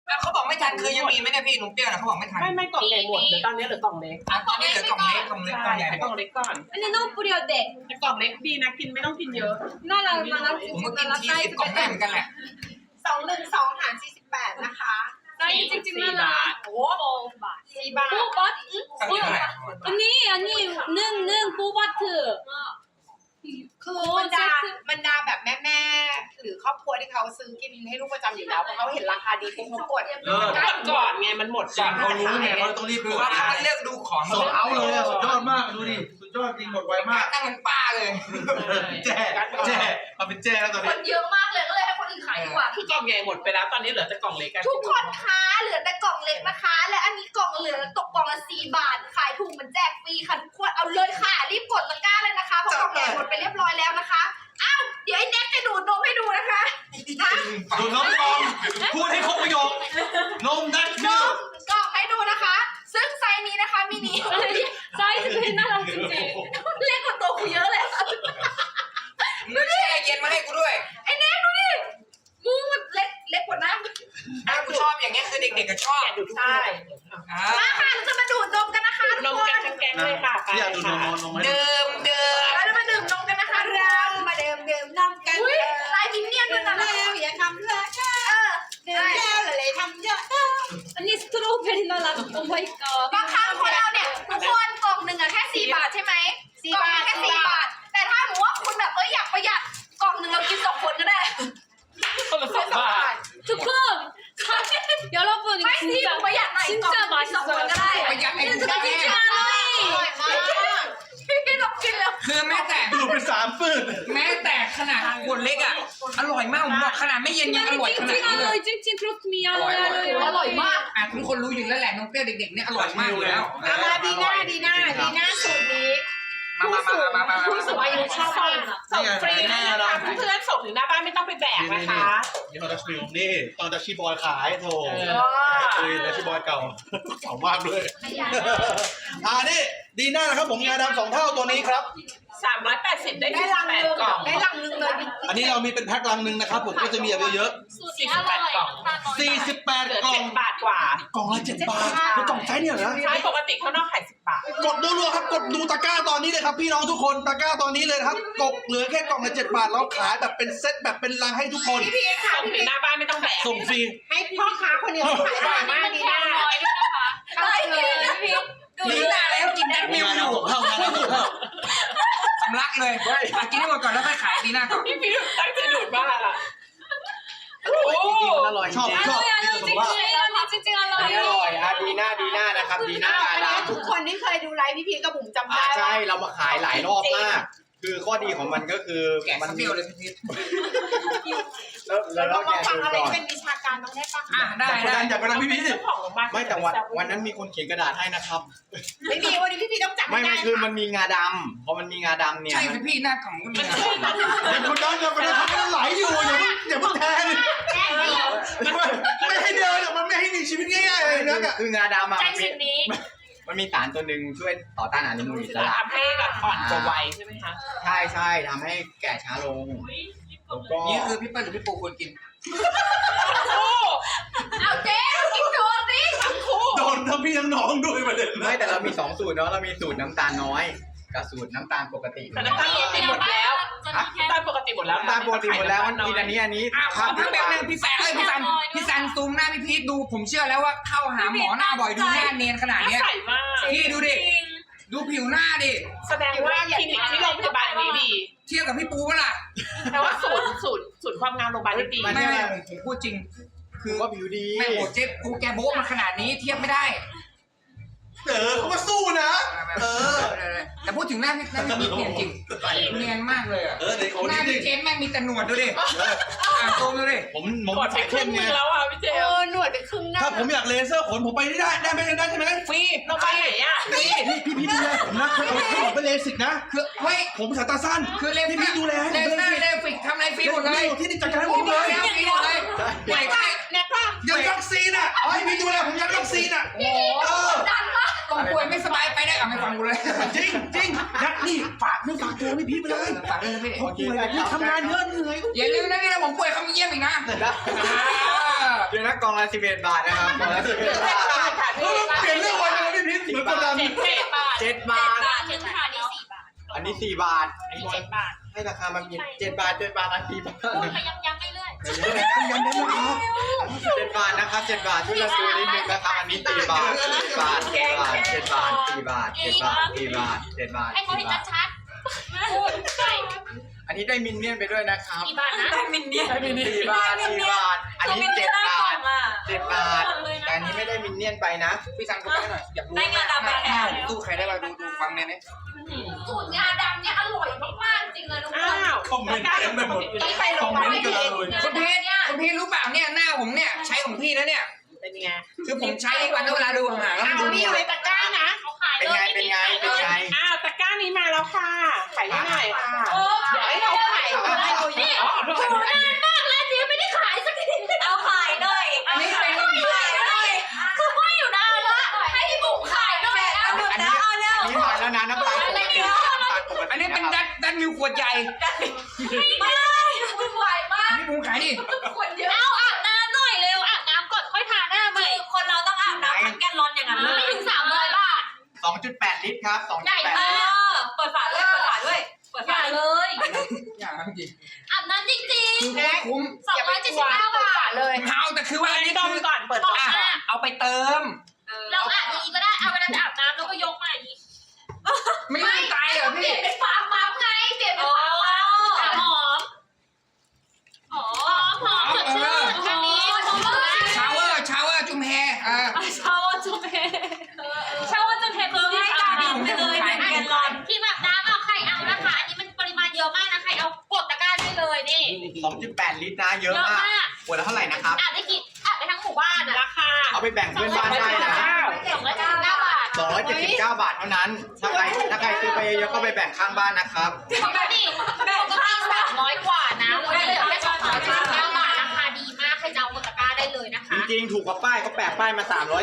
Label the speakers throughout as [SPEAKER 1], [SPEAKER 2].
[SPEAKER 1] เขาบอกไม่ทันคือยังมีไหมเนี่ยพี่หนุ่มเปรี้ยวนะเขาบอกไม่ทัน
[SPEAKER 2] ไม่กล่องใหญ่หมดเดี๋ยวตอนนี้เหลือกล่องเล็ก
[SPEAKER 1] ตอนนี้เหลือกล่องเล็กกล่องใหญ่
[SPEAKER 2] กล่องเล็กก่อน
[SPEAKER 3] 아니 너무 뿌려대.
[SPEAKER 2] แต่กล่องเล็กดีนะกินไม่ต้องกินเยอะ
[SPEAKER 3] 나랑
[SPEAKER 1] ผมก็กินที10 กล่องได้เหมือนกันแหละ
[SPEAKER 4] 212หาร48นะคะ
[SPEAKER 3] 나이 찡찡 나라.
[SPEAKER 4] โอ้4 บาท
[SPEAKER 3] 뽀밭?
[SPEAKER 1] ตั้งเท่าไหร่
[SPEAKER 3] 아니 는 뽀바트.
[SPEAKER 4] คือบรรดาแบบแม่ๆหรือครอบครัวที่เขาซื้อกินให้ลูกประจำอยู่แล้วเพราะเขาเห็นราคาดีปุ๊บเขากด
[SPEAKER 2] ก่อนไงมันหมด
[SPEAKER 5] ก่อนเขารู้ไงเขาต้องรีบ
[SPEAKER 1] คื
[SPEAKER 5] ดู
[SPEAKER 1] อว่าเขาเลือกดูของ
[SPEAKER 5] โซลเอาเลยอะสุดยอดมากดูดิสุดยอดจริงหมดไวมาก
[SPEAKER 1] นั่งเป็นป้าเลย
[SPEAKER 5] แจ้มาเป็นแจ้แล้วตอน
[SPEAKER 4] ค
[SPEAKER 5] นี้
[SPEAKER 4] นเยอะมากเลยก็เลยให้คนอื่นขายดีกว่า
[SPEAKER 2] คือกล่องใหญ่หมดไปแล้วตอนนี้เหลือแต่กล่องเล็กกัน
[SPEAKER 4] ทุกคนคะเหลือแต่กล่องเล็กนะคะ และอันนี้กล่องเหลือตกกล่องละ4 บาทขายถูกเหมือนแจกฟรีค่ะทุกคนเอาเลยค่ะรีบกดตะกร้าเลยนะคะเพราะกล่องใหญ่หมดไปเรียบร้อยแล้วนะคะอ้าวเดี๋ยวไอ้แน็กจะดูดนมให้ดูนะคะฮะ
[SPEAKER 5] ดูน้องกองพูดให้ครบประโยคนมดัช
[SPEAKER 4] น
[SPEAKER 5] มิล
[SPEAKER 4] มกล่องให้ดูนะคะ ซึ่งไซส์นี้นะคะมินิ
[SPEAKER 3] 사이즈 그 나라 찡찡.
[SPEAKER 4] เล็กกว่าตัวกูเยอะเลยค่ะ
[SPEAKER 1] มึงแช่เย็นมาให้กูด้วย
[SPEAKER 4] ไอ้แน็กดูดิมูมันเล็กกว่าน้ำ
[SPEAKER 1] กูชอบอย่างเงี้ยคือเด็กๆก็ชอบ
[SPEAKER 2] ดูทุกคน
[SPEAKER 4] มาค่ะเราจะมาดูดนมกันนะคะทุ
[SPEAKER 2] น
[SPEAKER 4] ก
[SPEAKER 2] ม
[SPEAKER 4] คน
[SPEAKER 2] กันทั้งแก๊งเลยค่ะไป
[SPEAKER 5] อยากดูนม
[SPEAKER 2] ค่ะ
[SPEAKER 5] นมไหม
[SPEAKER 1] เดิม
[SPEAKER 4] เราจะมาดื่มนมกันนะคะเรามาดื่มนมกันลายมินเนี่ยนด้วยนะแล้วอย่าทำเลยดื่มแล้วเลยทำเยอะ
[SPEAKER 3] 아니 스트로베리 나라. 오 마이
[SPEAKER 4] บาง
[SPEAKER 3] 갓.
[SPEAKER 4] ครั้งคนเราเนี่ยทุกคนกล่องหนึ่งอะแค่4 บาทใช่ไหมกล่องแค่4 บาท แต่ถ้าหนูว่าคุณแบบอยากประหยัดกล่องหนึ่งเรากิน2 คนก็ได้
[SPEAKER 2] คนละ2 บาท
[SPEAKER 3] 두콘. 여러분
[SPEAKER 4] ไม่
[SPEAKER 3] 이거
[SPEAKER 4] สิ
[SPEAKER 3] 진짜
[SPEAKER 4] ประหยัดหน่อยกล่อง
[SPEAKER 3] 진짜
[SPEAKER 4] 2 คนก็ได้
[SPEAKER 3] 맛있어요.
[SPEAKER 1] ประหยัดไอ้กูได้
[SPEAKER 3] 진짜
[SPEAKER 4] อร่อย
[SPEAKER 3] 찡찡.
[SPEAKER 4] มากพี่ลองกินแล้ว
[SPEAKER 1] คือแม้แต่
[SPEAKER 5] ดูเป็น3ฟืด
[SPEAKER 1] แม้แต่ขนาดขวดเล็กอ่ะอร่อยมากผมบอกขนาดไม่เย็นยังอร่อยขนาดนี้เลย
[SPEAKER 3] 찡찡 크로스미
[SPEAKER 1] อร่อย
[SPEAKER 4] อร่อยมาก
[SPEAKER 1] ทุกคนรู้อยู่แล้วแหละน้องเปรี้ยวเด็กๆเนี่ยอร่อยมากอยู่แล้ว
[SPEAKER 4] มาดีหน้าสูตรนี้
[SPEAKER 1] มา
[SPEAKER 2] ผู้สูงอายุชอบมากส่งฟรีเลยนะคะเพื่อนๆส่งถึงหน้าบ้านไม่ต้องไปแบกนะคะ
[SPEAKER 5] นี่เขาดัชมิลนี่ตอนดัชชีบอยขายโถคุยดัชชีบอยเก่าเก่ามากด้วยนี่ดีน่านะครับผมงาดำ2 เท่าตัวนี้ครับ
[SPEAKER 2] 380ได้
[SPEAKER 4] ได้ลังนึง
[SPEAKER 2] 18กล่อง
[SPEAKER 4] ได้ลังนึงเลย
[SPEAKER 5] อันนี้เรามีเป็นแพ็คลังนึงนะครับผมก็จะมีแบบเยอะ
[SPEAKER 2] 48กล่อง
[SPEAKER 5] ๆ
[SPEAKER 2] เหลือ
[SPEAKER 5] 48 กล่อง
[SPEAKER 2] 7 บาทกว่า
[SPEAKER 5] กล่องละ7 บาทแล้วกล่องไซส์เนี่ยเหรอ
[SPEAKER 2] ใช้ปกติข้างนอกขาย10 บาท
[SPEAKER 5] กดรัวๆครับกดดูตะกร้าตอนนี้เลยครับพี่น้องทุกคนตะกร้าตอนนี้เลยนะครับกดเหลือแค่กล่องละ7 บาทแล้วขายแบบเป็นเซตแบบเป็นลังให้ทุกคน
[SPEAKER 4] พี่ค่ะ
[SPEAKER 2] ส่งถึงหน้าบ้านไม่ต้องแบก
[SPEAKER 5] ส่งฟรี
[SPEAKER 4] ให้พ่อค้าคนเดียวขายได้มากดีหน้าอะไรเนี่ยพี่
[SPEAKER 1] ดีหน้าแล้วกินแอดมิวอยู่
[SPEAKER 5] เท่านั้นเท่า
[SPEAKER 1] สำลักเลยกินให้หมดก่อนแล้วค่อยขายดีหน้าก่อน
[SPEAKER 2] พี่พีตั้งใจดูดมากอ่ะโอ้
[SPEAKER 5] อร่อยชอบ
[SPEAKER 3] 찡찡 찡찡
[SPEAKER 6] อันนี้อร่อย
[SPEAKER 3] 알로이.
[SPEAKER 6] ดีน่านะครับดีน่า
[SPEAKER 4] อัน
[SPEAKER 6] ดา
[SPEAKER 4] นี้
[SPEAKER 6] ว
[SPEAKER 4] ทุกคนที่เคยดูไลฟ์พี่พีกับบุ๋มจำได้
[SPEAKER 6] ใช่เรามาขายหลายรอบมาก คือข้อดีของมันก็คือ
[SPEAKER 1] แกะ
[SPEAKER 6] มัน
[SPEAKER 1] เปรี้ยวเลยพี่
[SPEAKER 4] เรา
[SPEAKER 6] เรา
[SPEAKER 4] มา
[SPEAKER 6] แกะ
[SPEAKER 4] ฟัง
[SPEAKER 6] ดู
[SPEAKER 4] อะไร
[SPEAKER 6] ก่อน
[SPEAKER 4] เป็นวิชาการต้องได้ฟัง
[SPEAKER 1] ได้
[SPEAKER 5] อย่าไปดันพี่พีช
[SPEAKER 2] เจ้าของโรงพยาบาล
[SPEAKER 6] ไม่แต่วันนั้นมีคนเขียนกระดาษให้นะครับ
[SPEAKER 4] ไม่มีวันนี้พี่พีต้องจับ
[SPEAKER 6] ไม่
[SPEAKER 4] ได้
[SPEAKER 6] คือมันมีงาดำพอมันมีงาดำเนี่ย
[SPEAKER 1] ใช่พี่หน้ากล่องก็มีนะ
[SPEAKER 5] อย่าคนนั้นอย่าไปดันเขาไหลอยู่อย่าเพิ่งแทงไม่ให้เดินมันไม่ให้มีชีวิตง่ายๆเลยนะ
[SPEAKER 6] คืองาดำอ่ะ
[SPEAKER 3] 짠นี้
[SPEAKER 6] มันมีสารตัวหนึ่งช่วยต่อต้านอนุมูลอิสระ
[SPEAKER 2] ทำให้แบบอ่อนตัวไวใช่ไหมคะ
[SPEAKER 6] ใช่ทำให้แก่ช้าลงแล้วก็
[SPEAKER 1] นี่คือพี่เปิ้ลหรือพี่ปูควรกิน
[SPEAKER 4] เอาเจ๊กินโดนดิ
[SPEAKER 5] โดนทั้งพี่ทั้งน้องด้วยประเด็น
[SPEAKER 6] ไม่แต่เรามี2 สูตรเนาะเรามีสูตรน้ำตาลน้อยกับสูตรน้ำตาลปกติ
[SPEAKER 2] แต่น้ำตาลปกติหมดแล้วน้ำตาลปกติหมดแล้ว
[SPEAKER 6] น้ำตาลปกติหมดแล้วมันกินอันนี้
[SPEAKER 1] ขอพักแป๊บนึงพี่แซนพี่ซันซูมหน้าพี่พีทดูผมเชื่อแล้วว่าเข้าหาหมอหน้าบ่อยดูหน้าเนียนขนาดเนี้ย
[SPEAKER 2] ใส่มาก
[SPEAKER 1] พี่ดูดิดูผิวหน้าดิ
[SPEAKER 2] แสดงว่าคลินิกที่โรงพยาบาลนี้ดี
[SPEAKER 1] เทียบกับพี่ปูป่ะล่ะ
[SPEAKER 2] แต่ว่าศูนย์ความงามโรงพยาบาลนี้ดี
[SPEAKER 1] ไม่ผมพูดจริง
[SPEAKER 6] คือว่าผิวดี
[SPEAKER 1] แม่โหเจ๊ปูแกโบ๊ะมาขนาดนี้เทียบไม่ได้
[SPEAKER 5] เขามาสู้นะ
[SPEAKER 1] แต่พูดถึงหน้าพี่เนียนจริงเนียนมากเลยอ่ะ
[SPEAKER 5] เด็กคน
[SPEAKER 1] หน้า
[SPEAKER 5] นี้
[SPEAKER 1] พี่เจนแม่งมีแต่หนวดดูดิโตดูดิ
[SPEAKER 5] ผม
[SPEAKER 2] กดไป
[SPEAKER 5] ใส่
[SPEAKER 2] ครึ่
[SPEAKER 5] เข้
[SPEAKER 2] ง
[SPEAKER 5] ม
[SPEAKER 2] นึ
[SPEAKER 5] ไง
[SPEAKER 2] งแล้วอ่ะพี่เจ
[SPEAKER 4] หนวดไปครึ่งหน้า
[SPEAKER 5] ถ้าผมอยากเลเซอร์ขนผมไปได้ไหมได้ใช่ไหม
[SPEAKER 1] ฟรี
[SPEAKER 2] โรงพยาบาลไหนอ่ะ
[SPEAKER 5] พี่ดูแลผมนะผมไปเลสิกนะ
[SPEAKER 1] คือเฮ้ย
[SPEAKER 5] ผมสายตาสั้น
[SPEAKER 1] คือเล
[SPEAKER 5] พี่ดูแลให้
[SPEAKER 1] เล
[SPEAKER 5] ผม
[SPEAKER 1] เซอร์เลฟิกทำอะไรฟรีหมดเลย
[SPEAKER 5] ที่นี่จัดการให้ผมเลย
[SPEAKER 1] ฟรีหมดเลยไหวใคร
[SPEAKER 4] แน็กป่ะ
[SPEAKER 5] ยังวัคซีนอ่ะให้พี่ดูแลผมยังวัคซีนอ่ะ
[SPEAKER 1] โอ้ต้องป่วยไม่สบายไปได้ไม่ฟังกูเลย
[SPEAKER 5] จริงนักนี่ฝากตัวพี่ไปเลย
[SPEAKER 1] ฝากเลยพี่
[SPEAKER 5] เขาป่วยพี่ทำงานเยอะเหนื่อย
[SPEAKER 1] อย่าลืมนะนี่นะผมป่วยเขามาเยี่ยมอีกนะ
[SPEAKER 6] เดี๋ยวนะกล่องละ11 บาทนะครับกล่องละ11 บาท
[SPEAKER 2] ค่ะ
[SPEAKER 5] เฮ้ยเปลี่ยนเรื่องไวจังเลยพี่พีทเหมือนกดดัน
[SPEAKER 2] 7 บาท
[SPEAKER 6] 7 บาท
[SPEAKER 3] ถึงค่ะนี่4 บาท
[SPEAKER 6] อันนี้4 บาท
[SPEAKER 2] อันนี้7 บาท
[SPEAKER 6] ให้ราคามัน7 บาท 7 บาทอัน4 บาท
[SPEAKER 3] พูดไปย้ำๆเรื่อย
[SPEAKER 6] 7 บาทนะครับ7 บาทช่วยกันดูนิดนึงนะครับอันนี้4 บาท7 บาท7 บาท7 บาท4 บาท7 บาท4 บาท7 บาท
[SPEAKER 3] ๆให้เขาเห็น
[SPEAKER 6] 4 บาท
[SPEAKER 3] ชัดๆพูดใช่
[SPEAKER 6] อันนี้ได้มินเนี่ยนไปด้วยนะครับ
[SPEAKER 3] กี่บาทนะ
[SPEAKER 2] ได้มินเนี่ย
[SPEAKER 6] 4 บาท4 บาทอันนี้7 บาท7 บาทแต่อันนี้ไม่ได้มินเนี่ยนไปนะ
[SPEAKER 1] พี่ซันกดไปหน่อยอยากรู้ข้าวตู้ใครได้บ้างดูฟังเนี่ยนะ
[SPEAKER 4] สูตรงาดำเนี่ยอร่อยมากๆจริงเลยทุกคน
[SPEAKER 2] อ้าว
[SPEAKER 5] คอมเมนต์เต็มไปหมด
[SPEAKER 2] ต้องไปโรงพยาบาล
[SPEAKER 1] คุณพีทรู้เปล่าเนี่ยหน้าผมเนี่ยใช้ของพี่นะเนี่ย
[SPEAKER 2] เป็นไง
[SPEAKER 1] คือผมใช้ทุกวันเวลาดูห่างๆแล้วมัน
[SPEAKER 2] เอา
[SPEAKER 1] ดู
[SPEAKER 2] มี
[SPEAKER 1] ดี
[SPEAKER 2] อยู่ในตะกร้านะ
[SPEAKER 3] เขาขาย
[SPEAKER 6] เป็น
[SPEAKER 3] เล
[SPEAKER 6] ไง
[SPEAKER 3] ย
[SPEAKER 6] เป็นไงเป็นไง
[SPEAKER 2] อ้าวตะกร้านี้มาแล้วค่ะขายได้ไหนค่ะเดี๋ยวให้เราขายได้นี่อ๋อขอโทษ
[SPEAKER 4] นานมากแล้วเนี่ยไม่ได้ขายสักที
[SPEAKER 3] เอาขายหน่อย
[SPEAKER 1] อันนี้เป็น
[SPEAKER 3] ขายหน่อย
[SPEAKER 4] คือว่าอยู่นานละให้พี่บุ๋มขายหน่อยเอา
[SPEAKER 6] อันนี้มาแล้วนะน้ำตาลปกติน้ำตาลปกติ
[SPEAKER 1] อันนี้เป็นดัดมิวขวดใหญ่
[SPEAKER 4] ไม่ได้วุ่นวายมาก
[SPEAKER 1] อันนี้ผมขายดิ
[SPEAKER 4] คนเยอะ
[SPEAKER 3] เอาอาบน้ำหน่อยเร็วอาบน้ำก่อนค่อยทาหน้าใหม่คนเราต้องอาบน้ำทั้งแกนลอนอย่างนั้นไม่ถึง300 บาท
[SPEAKER 6] 2.8 ลิตรครับ
[SPEAKER 3] ใหญ่
[SPEAKER 6] 2.8
[SPEAKER 3] มา
[SPEAKER 6] ลิตร
[SPEAKER 3] กเปิดฝาด้วยเปิดฝาด้วยเปิดฝาเลย
[SPEAKER 1] อย่างนั้นจริง
[SPEAKER 3] อาบน้ำจริง
[SPEAKER 1] คือโคตรคุ้ม
[SPEAKER 3] ๆ279 บาท
[SPEAKER 2] เลย
[SPEAKER 1] เอาแต่คือว่าอันนี้
[SPEAKER 2] ดม
[SPEAKER 1] คือ
[SPEAKER 2] ก่อนเปิด
[SPEAKER 1] อ่ะเอาไปเติม
[SPEAKER 3] เราอาบอย่างนี้ก็ได้เอาเวลาจะอาบน้ำเราก็ยกมาอย่างนี้
[SPEAKER 1] ไม่ต้องตายเหรอ
[SPEAKER 4] เปลี่
[SPEAKER 1] พี่
[SPEAKER 4] ยนเป็นฟาร์มปั๊มไงเปลี่ยนเป็น
[SPEAKER 3] อ๋อ
[SPEAKER 4] ฟาร์มปั๊ม
[SPEAKER 3] หอมหอมสดชื่นทางนี้
[SPEAKER 1] ชาวเวอร์จุ่มแฮ
[SPEAKER 3] ชาวจุ๊บเฮชาวจุ๊บเฮคือให้การบินไปเลย1 แกนลอนที่แบบน้ำเอาใครเอานะคะ อันนี้มันปริมาณเยอะมากนะใครเอากดตะกร้าได้เลยนี่
[SPEAKER 6] 2.8 ลิตรนะเยอะมากขวดละเท่าไหร่นะครับ
[SPEAKER 3] อาบได้กี่อาบไปทั้งหมู่บ้านอ่ะ
[SPEAKER 2] ราคา
[SPEAKER 6] เอาไปแบ่งเพื่อนบ้านได้นะ
[SPEAKER 3] 279 บาท
[SPEAKER 6] 279 บาทเท่านั้น ถ้าใครซื้อไปเยอะๆก็ไปแบ่งข้างบ้านนะครับ
[SPEAKER 3] ปกติ300 กว่านะวันนี้เหลือแค่279 บาทราคาดีมากใครจะเอากดตะกร้าได้เลยนะคะ
[SPEAKER 6] จริงๆ ถูกกว่าป้ายเขาแปะป้ายมา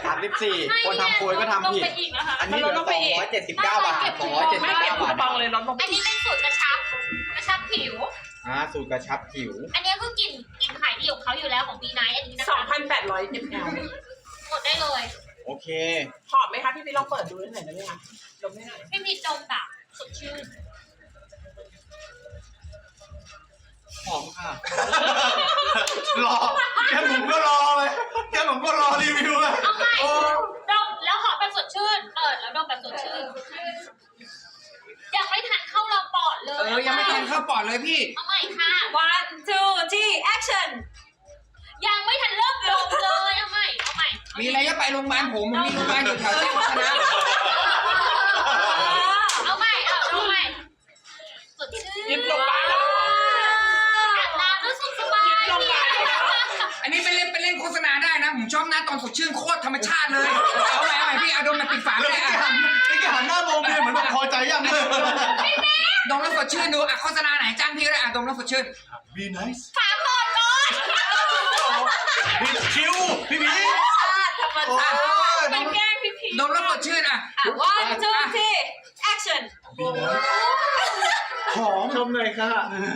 [SPEAKER 6] 334 คนทำโพยก็ทำผิด อันนี้เหลือ279 บาท
[SPEAKER 2] ไม่เก็บ
[SPEAKER 6] 279
[SPEAKER 2] คู
[SPEAKER 6] บาท
[SPEAKER 2] ปองเลยลดลง
[SPEAKER 3] อันนี้เป็นสูตรกระชับผิว
[SPEAKER 6] สูตรกระชับผิว
[SPEAKER 3] อันนี้คือกลิ่นขายดีของเขาอยู่แล้วของบีไนท์อันนี้นะคะ
[SPEAKER 2] 2,800 ml
[SPEAKER 3] กดได้เลย
[SPEAKER 6] โอเค
[SPEAKER 2] หอมไหมคะพี่พี่ลองเปิดดูได้หน่อยได้ไหมคะดมได้หน่อย
[SPEAKER 3] ไม่มีจมแบบสดชื่น
[SPEAKER 6] หอมค่ะ
[SPEAKER 5] รอแค่ผมก็รอเลยแค่ผมก็รอรีวิวเลย
[SPEAKER 3] เอาใหม่ดมแล้วหอมแบบสดชื่นเปิดแล้วดมแบบสดชื่นยังไม่ทันเข้าลำปอดเลย
[SPEAKER 1] ยังไม่ทันเข้าปอดเลยพี่
[SPEAKER 3] เอาใหม่ค่ะ one two three action ยังไม่ทันเริ่มดมเลยเอาใหม่
[SPEAKER 1] มีอะไรก็ไปโรงพยาบาลผมมีโรงพยาบาลอยู่แถวแจ้งวัฒนะ
[SPEAKER 3] เอาใหม่สดชื่น
[SPEAKER 2] ยิบลงไปแล้ว
[SPEAKER 3] อาบน้ำรู้สึกสบาย
[SPEAKER 2] ลงไป
[SPEAKER 1] อันนี้ไปเล่นโฆษณาได้นะผมชอบหน้าตอนสดชื่นโคตรธรรมชาติเลยเอาใหม่พี่เอาดมแบบปิดฝาเลยอ่ะ
[SPEAKER 5] ไอ้แกหันหน้ามองเมียเหมือนแบบพอใจยังเลย
[SPEAKER 1] ดมแล้วสดชื่นดูอ่ะโฆษณาไหนจ้างพี่ก็ได้อ่ะดมแล้วสดชื่น
[SPEAKER 5] Be nice
[SPEAKER 3] ฝาก่อน
[SPEAKER 5] พี่คิวพี่พี
[SPEAKER 3] ธรรมชาติมันแกล้งพี่พี
[SPEAKER 1] ดมแล้วสดชื่นอ่ะ
[SPEAKER 3] one two three action
[SPEAKER 5] หอมชมเลยค่ะ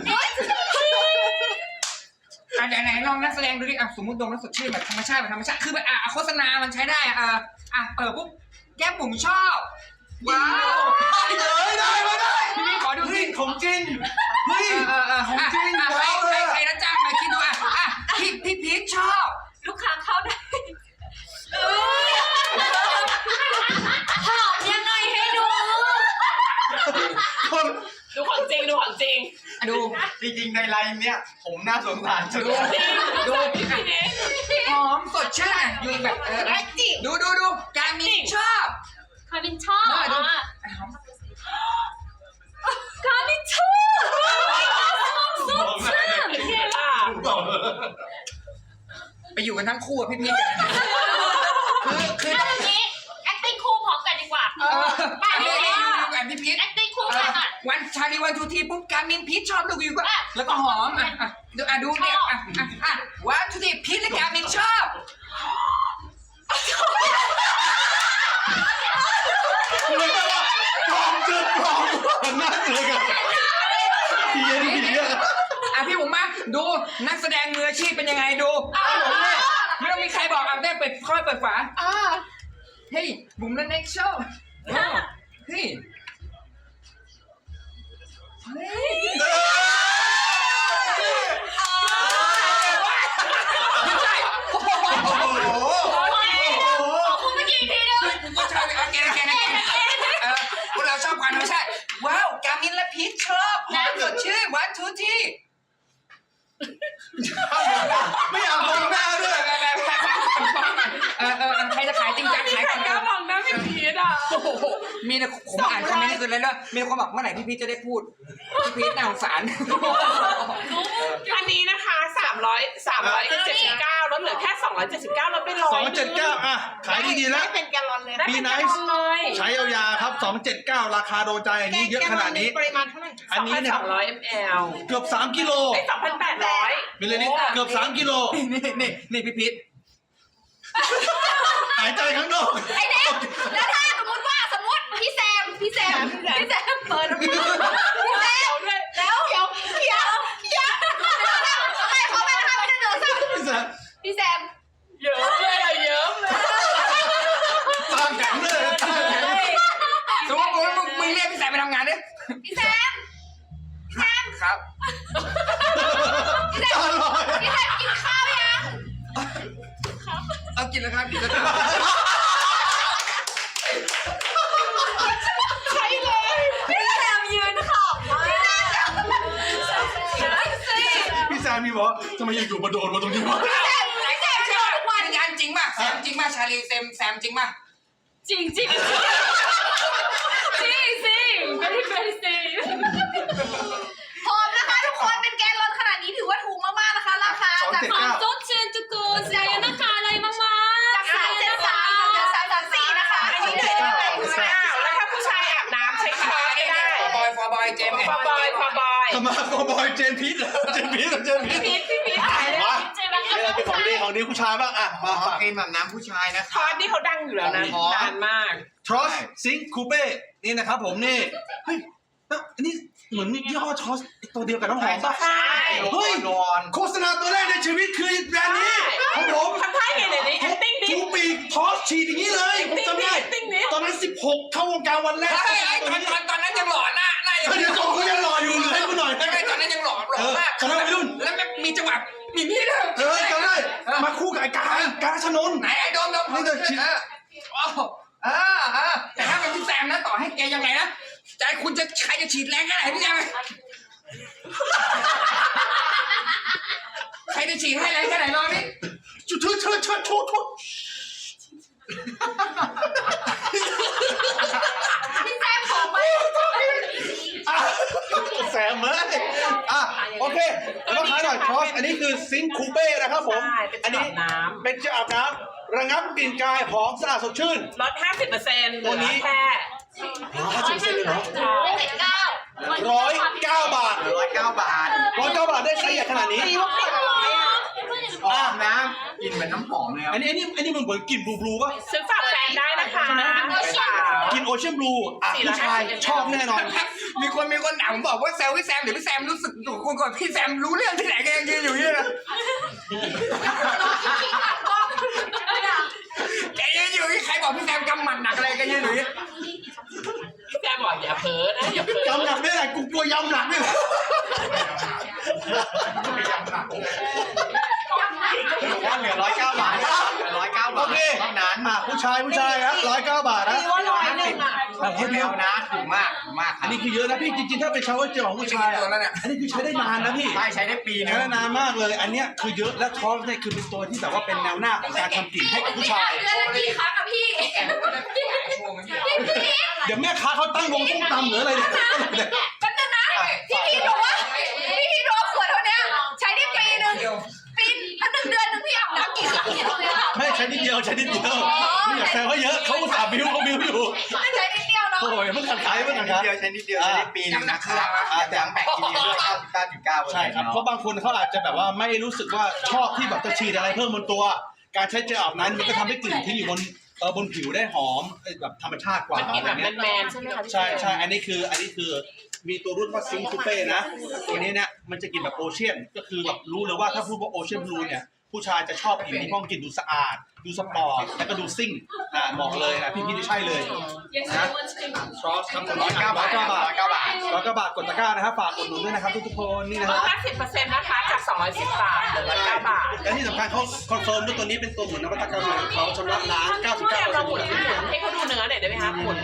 [SPEAKER 1] ไหนลองนักแสดงดูดิอ่ะสมมติดมแล้วสดชื่นแบบธรรมชาติคือแบบโฆษณามันใช้ได้เปิดปุ๊บแก้มผมชอบว้าว
[SPEAKER 5] ได้มาได้
[SPEAKER 1] พี่ขอดู
[SPEAKER 5] เฮ้
[SPEAKER 1] สิ
[SPEAKER 5] ยของจริงเฮ้ย ของจริง
[SPEAKER 1] ใครนะจ้างมาคิดดูพี่พีชชอบ
[SPEAKER 3] ลูกค้าเข้าได้หอมยังไงให้ดู
[SPEAKER 5] คน
[SPEAKER 2] ดูของจริงดูของจริง
[SPEAKER 1] ดู
[SPEAKER 6] จริงๆ ในไลน์เนี้ยผมน่าสงสารสุด
[SPEAKER 1] ดูหอมสดชื่นอ่ะอยู่แบบดูการมินชอบ
[SPEAKER 3] คามินชอบคามินชอบสดชื่น
[SPEAKER 1] ไปอยู่กันทั้งคู่อ่ะพี่พีชคือ
[SPEAKER 3] เอาอย่างนี้ acting คู่พร้อมกันดีกว่า
[SPEAKER 1] อยู่กันพี่พีช
[SPEAKER 3] acting คู่กันอ่ะ
[SPEAKER 1] วันชาลีวันทูทีปุ๊บการมินพีชชอบดูวิวก็แล้วก็หอมดูเนี่ยวันทูทีพีชและการมินชอบ
[SPEAKER 5] คุณเลยว่าปลอมเจอปลอมนั่นเลยกันผีอ่ะ
[SPEAKER 1] พี่ผมมาดูนักแสดงมืออาชีพเป็นยังไงดูอยเปิดฝาเฮ้ยบุ๋มและเน็กโชว์เฮ้ยไม่ใช่โอ้โห
[SPEAKER 4] คุณเมื่อกี้ทีนึง
[SPEAKER 1] ก็ใช่แกพวกเราชอบความธรรมชาติว้าวกามินและพีชชอบน้ำสดชื่นวันทูที่
[SPEAKER 5] ไม่อยากมองหน้าด้วย
[SPEAKER 1] ใครจะขายจริงจังขายก่อน
[SPEAKER 2] กล้ามองหน้าพี่พีทอ่ะ
[SPEAKER 1] โอ้โหมีนะผมอ่านคอมเมนต์นี่คืออะไรเนอะมีคนบอกเมื่อไหร่พี่พีชจะได้พูดพี่พีชน่าสงสาร
[SPEAKER 2] อันนี้นะคะ379ลดเหลือแค่279ลดไป100
[SPEAKER 5] 279อ่ะขายดีๆแล้ว
[SPEAKER 2] เป็นแกลลอนเลย
[SPEAKER 5] มีไนซ์ใช้ยาวๆครับ279ราคาโดนใจอันนี้เยอะขนาดนี้
[SPEAKER 2] ปริมาณเท่าไหร่
[SPEAKER 5] อันนี้เนี่ย
[SPEAKER 2] 200 ml
[SPEAKER 5] เกือบ3กิโล
[SPEAKER 2] 2,800
[SPEAKER 5] มิลลิลิตรเกือบ3กิโล
[SPEAKER 1] นี่พี่พีช
[SPEAKER 5] หายใจข้างนอก
[SPEAKER 4] ไอ้เด็กแล้วถ้าสมมติพี่แซมเปิดพี่แซมแล้วเดี๋ยวอะไรเขาไปนะคะไม่ได้เดินซ้ำพี่แซม
[SPEAKER 2] เยอะเลยอะเยอะเลย
[SPEAKER 5] ตาแข็งเลยตาแข็ง
[SPEAKER 1] สมมติมึงเรียกพี่แซมไปทำงานดิ
[SPEAKER 4] พี่แซม
[SPEAKER 1] ครับ
[SPEAKER 5] ตาลอย
[SPEAKER 4] กินข้าวยัง
[SPEAKER 1] เอากินแล้วครับกินแล้วครับ
[SPEAKER 2] ใช่เลย
[SPEAKER 4] พี่แซมยืนขอบมาก
[SPEAKER 5] พี่แซมมีบอกทำไมอยู่ๆมาโดนมาตรงนี้วะ
[SPEAKER 4] พี่แซมชอบทุกวัน
[SPEAKER 1] งานจริงป่ะแซมจริงป่ะชาลีแซมจริงป่ะ
[SPEAKER 3] จริงจริงvery very safe
[SPEAKER 4] พร้อมนะคะทุกคนเป็นแกนลอนขนาดนี้ถือว่าถูกมากๆนะคะราคาจาก
[SPEAKER 3] สดชื่นทุกคนเสียนะคะอะไรมาก
[SPEAKER 4] 373เหลือ334นะคะอันนี้เลยได้ไหม
[SPEAKER 2] แล้วถ้าผู้ชายอาบน้ำใช้ช้อนก็ได้
[SPEAKER 1] ฟอร์บอยเจมส์
[SPEAKER 2] ฟาบอย
[SPEAKER 5] ทำไมโกบอยเจนพีทเจนพีท
[SPEAKER 2] พี่พีท
[SPEAKER 5] มา
[SPEAKER 3] ๆเจมส์
[SPEAKER 5] เนี่ยเป็นของดีผู้ชายบ้างอ่ะมา
[SPEAKER 6] ขอ
[SPEAKER 5] ฝาก
[SPEAKER 6] กินแบบน้ำผู้ชายนะค
[SPEAKER 2] ทอดนี่เขาดังอยู่แล้วนะนานมาก
[SPEAKER 5] ทรอสซิงคูเป้นี่นะครับผมนี่เฮ้ยอันนี้เหมือนยี่ห้อทรอสตัวเดียวกับน้ำหอมป่ะ
[SPEAKER 2] ใช่
[SPEAKER 5] เฮ้ย
[SPEAKER 6] นอน
[SPEAKER 5] โฆษณาตัวแรกในชีวิตคือแบรนด์นี้ของผม
[SPEAKER 2] ทำท่าไงเดี๋ยวนี้ acting ดิ
[SPEAKER 5] จูปีกทอสฉีดอย่างนี้เลยผมจำได้
[SPEAKER 2] acting ดิ
[SPEAKER 5] ตอนนั้น16เข้าวงการวันแรก
[SPEAKER 1] ตอนนั้นยังหล่อหน้ายัง
[SPEAKER 5] เดี๋ยวจบเขายังรออยู่ให้กูหน่อย
[SPEAKER 1] ตอนนั้นยังหล่อมาก
[SPEAKER 5] คณะวัยรุ่น
[SPEAKER 1] แล้วมีจังหวะมีนี่ด้วย
[SPEAKER 5] จำได้มาคู่กับไอ้การชนน
[SPEAKER 1] ไหนไอ้โดมแต่ถ้าเป็นพี่แซมนะต่อให้แกยังไงนะใจคุณจะใครจะฉีดแรงแค่ไหนพี่แซมใครจะฉีดให้แรงแค่ไหนลองดิ
[SPEAKER 5] จุดเชิด
[SPEAKER 4] พี่แซมของมา
[SPEAKER 5] แซมเอ้ยโอเคแล้วขายหน่อยทอสอันนี้คือซิงคูเป้นะครับผม
[SPEAKER 2] ใช่เป็น
[SPEAKER 5] อัน
[SPEAKER 2] อา
[SPEAKER 5] นี้
[SPEAKER 2] บน้
[SPEAKER 5] เป็นเจลอาบน้ำระงับกลิ่นกายหอมสะอาดสดชื่น
[SPEAKER 2] ำลด 50%
[SPEAKER 5] ตัวนี้
[SPEAKER 2] แค่
[SPEAKER 5] 50%เลยเหรอ
[SPEAKER 4] 179
[SPEAKER 5] 109 บาท
[SPEAKER 6] 109 บาท
[SPEAKER 5] 109 บาทได้ใช้ใหญ่ขนาดนี้
[SPEAKER 2] ตีว่าเปลี่ยนอะไรอ่ะ
[SPEAKER 6] หอมน้ำกินเหมือนน้ำหอมเลยครับ
[SPEAKER 5] อันนี้มันเหมือนกลิ่นบลูป่ะ
[SPEAKER 2] ซื้อฝากแฟนได้นะคะ
[SPEAKER 5] กลิ่นโอเชียนบลูผู้ชายชอบแน่นอน
[SPEAKER 1] มีคนด่าผมบอกว่าแซวพี่แซมเดี๋ยวพี่แซมรู้สึกถูกคนก่อนพี่แซมรู้เรื่องที่ไหนแกยังยืนอยู่นี่นะแกยืนอยู่นี่ใครบอกพี่แซมกำหมัดหนักอะไรแกยืนอยู่นี่
[SPEAKER 2] พี่แซมบอกอย่าเพ้อนะอย่าเพ้อย
[SPEAKER 5] ำหนักไม่ได้กูกลัวยำหนักเนี่ย
[SPEAKER 6] ว่าเหลือ109 บาทเหลือ109 บาทเท่านั้น
[SPEAKER 5] ผู้ชายนะ109 บาทนะ
[SPEAKER 2] ตีว่า101อ่ะ
[SPEAKER 6] เดียวนะถูกมากค
[SPEAKER 5] อั
[SPEAKER 6] รับ
[SPEAKER 5] นนี้คือเยอะนะพี่จริงๆถ้าเป็นชาวเจลของผู้ชายอันนี้คือใช้ได้นานนะพี่
[SPEAKER 6] ใช้ได้ปีนึ
[SPEAKER 5] ใช้
[SPEAKER 6] ง
[SPEAKER 5] ได้นานมากเลย อันเนี้ยคือเยอะและทอสเนี่ยคือเป็นตัวที่แบบว่าเป็นแนวหน้าของการทำกลิ่นให้กับผู้ชาย
[SPEAKER 4] เดือนละกี่ครั้งอะพี่
[SPEAKER 5] เดี๋ยวแม่ค้าเขาตั้งวงส้มตำหรืออะไรเนี่ย
[SPEAKER 4] แป๊บนึงนะพี่บอกว่าพี่ดูขวดเท่านี้ใช้ได้ปีนึงแล้ว1 เดือนนึงพี่อาบน้ำกี่ครั้งเนี่ย
[SPEAKER 5] ไม่ใช้นิดเดียวไม่อยากแซวเขาเยอะเขาอุตส่าห์บิ้วอยู่
[SPEAKER 4] ใช้นิดเดียวเนาะ
[SPEAKER 5] โอ้ยเพิ่งขัดขายเพิ่งขัดขาย
[SPEAKER 6] ใช้นิดเดียวใช้ได้ปีนึงนะครับแต่แบ่งทีเดียวด้วย99.9%
[SPEAKER 5] ใช่ครับเพราะบางคนเขาอาจจะแบบว่าไม่รู้สึกว่าชอบที่แบบจะฉีดอะไรเพิ่มบนตัว การใช้เจลอาบน้ำมันก็ทำให้กลิ่นที่อยู่บนผิวได้หอมแบบธรรมชาติกว่า
[SPEAKER 2] มันกิน
[SPEAKER 5] อะไร
[SPEAKER 2] แบบ
[SPEAKER 5] เงี้ย
[SPEAKER 2] แมนๆใช่ไหมคะ
[SPEAKER 5] ใช่อันนี้คือมีตัวรุ่นว่าซิงคูเป้นะตัวนี้เนี่ยมันจะกินแบบโอเชียนก็คือแบบรู้เลยว่าถ้าพูดว่าโอเชียนบลูเนี่ยผู้ชายจะชอบผิวที่ห้องกลิ่นดูสะอาด ดูสปอร์ตแล้วก็ดูซิ่งบอกเลยนะพี่นี่ใช่เลยนะซอสคำ109 บาท109 บาทกดตะกร้านะครับฝากอุดหนุนด้วยนะครับทุกคนนี่นะฮะ
[SPEAKER 2] 50%นะคะจาก210 บาทเหลือ9 บาท
[SPEAKER 5] และที่สำคัญเขาคอนเฟิร์มด้วยตัวนี้เป็นตัวเหมือนนวัตกรรมใหม่ของเขาชำระล้าง 99%
[SPEAKER 2] หมุนให้เขาดูเนื้อหน่อยได้ไหมคะหมุน